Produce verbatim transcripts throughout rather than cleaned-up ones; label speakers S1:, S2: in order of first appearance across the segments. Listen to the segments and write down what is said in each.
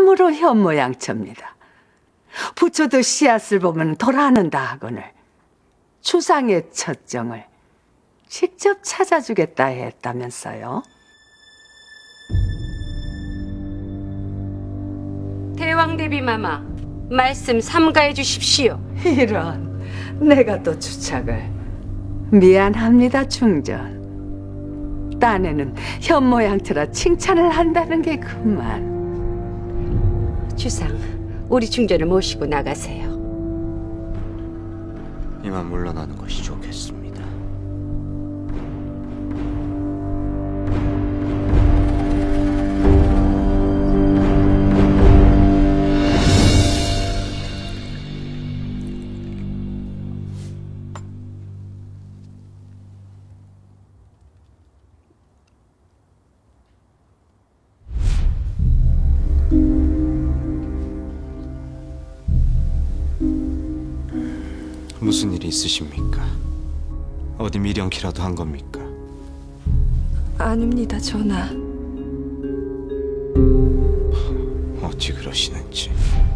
S1: 참으로 현모양처입니다. 부처도 씨앗을 보면 돌아는다 하거늘 주상의 첫정을 직접 찾아주겠다 했다면서요.
S2: 대왕대비마마, 말씀 삼가해 주십시오.
S1: 이런, 내가 또 주착을. 미안합니다, 중전. 딴에는 현모양처라 칭찬을 한다는 게 그만.
S2: 주상, 우리 중전을 모시고 나가세요.
S3: 이만 물러나는 것이 좋겠습니다. 무슨 일이 있으십니까? 어디 미련키라도 한 겁니까?
S4: 아닙니다, 전하.
S3: 어찌 그러시는지.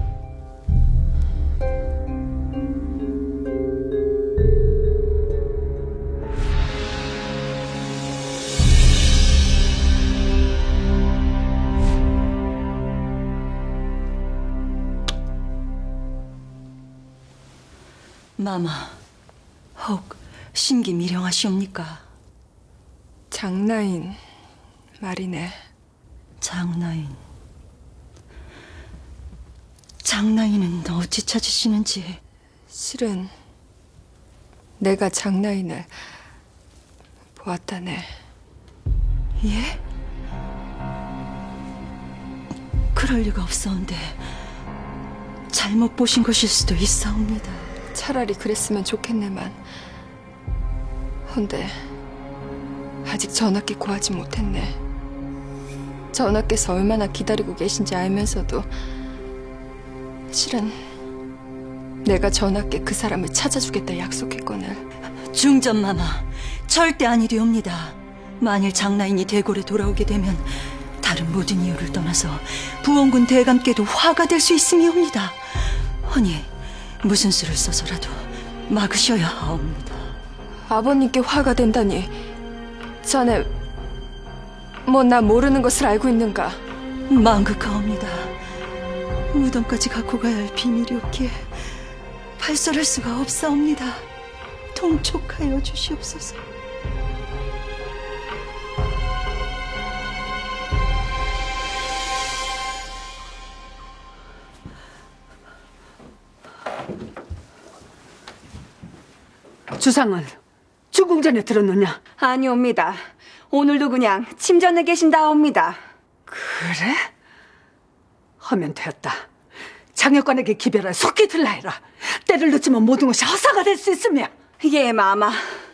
S5: 마마, 혹 심기 미령하시옵니까?
S4: 장나인 말이네.
S5: 장나인. 장나인은 어찌 찾으시는지.
S4: 실은 내가 장나인을 보았다네.
S5: 예? 그럴 리가 없사온데 잘못 보신 것일 수도 있사옵니다.
S4: 차라리 그랬으면 좋겠네만. 헌데 아직 전하께 구하지 못했네. 전하께서 얼마나 기다리고 계신지 알면서도 실은 내가 전하께 그 사람을 찾아주겠다 약속했거늘.
S5: 중전마마, 절대 아니되옵니다. 만일 장나인이 대궐에 돌아오게 되면 다른 모든 이유를 떠나서 부원군 대감께도 화가 될 수 있음이옵니다. 허니 무슨 수를 써서라도 막으셔야 하옵니다.
S4: 아버님께 화가 된다니. 자네 뭐 나 모르는 것을 알고 있는가?
S5: 망극하옵니다. 무덤까지 갖고 가야 할 비밀이었기에 발설할 수가 없사옵니다. 통촉하여 주시옵소서.
S1: 주상은 주궁전에 들었느냐?
S6: 아니옵니다. 오늘도 그냥 침전에 계신다옵니다.
S1: 그래? 하면 되었다. 장혁관에게 기별을 속히 들라 해라. 때를 늦추면 모든 것이 허사가 될 수 있으며.
S6: 예, 마마.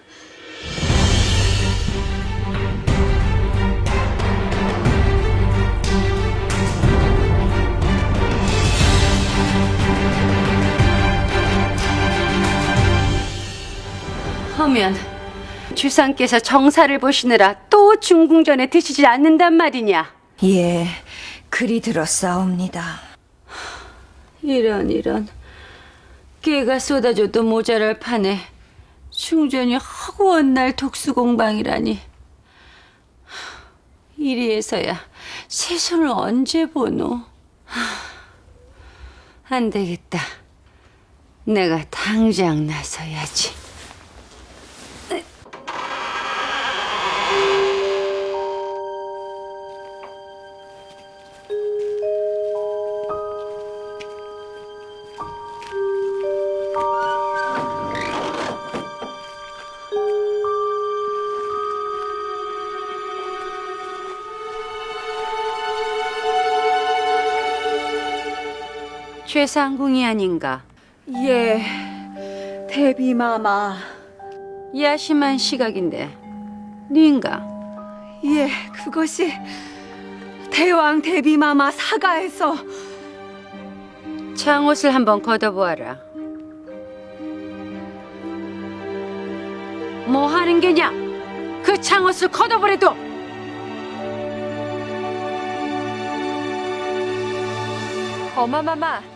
S2: 하면 주상께서 정사를 보시느라 또 중궁전에 드시지 않는단 말이냐?
S6: 예, 그리 들었사옵니다.
S2: 이런 이런, 깨가 쏟아져도 모자랄 판에 중전이 허구한 날 독수공방이라니. 이리에서야 새 손을 언제 보노? 안 되겠다. 내가 당장 나서야지. 최상궁이 아닌가?
S6: 예, 대비마마.
S2: 야심한 시각인데 니인가?
S6: 예, 그것이 대왕 대비마마 사가에서.
S2: 창옷을 한번 걷어보아라. 뭐 하는 게냐? 그 창옷을 걷어보래도.
S4: 어마마마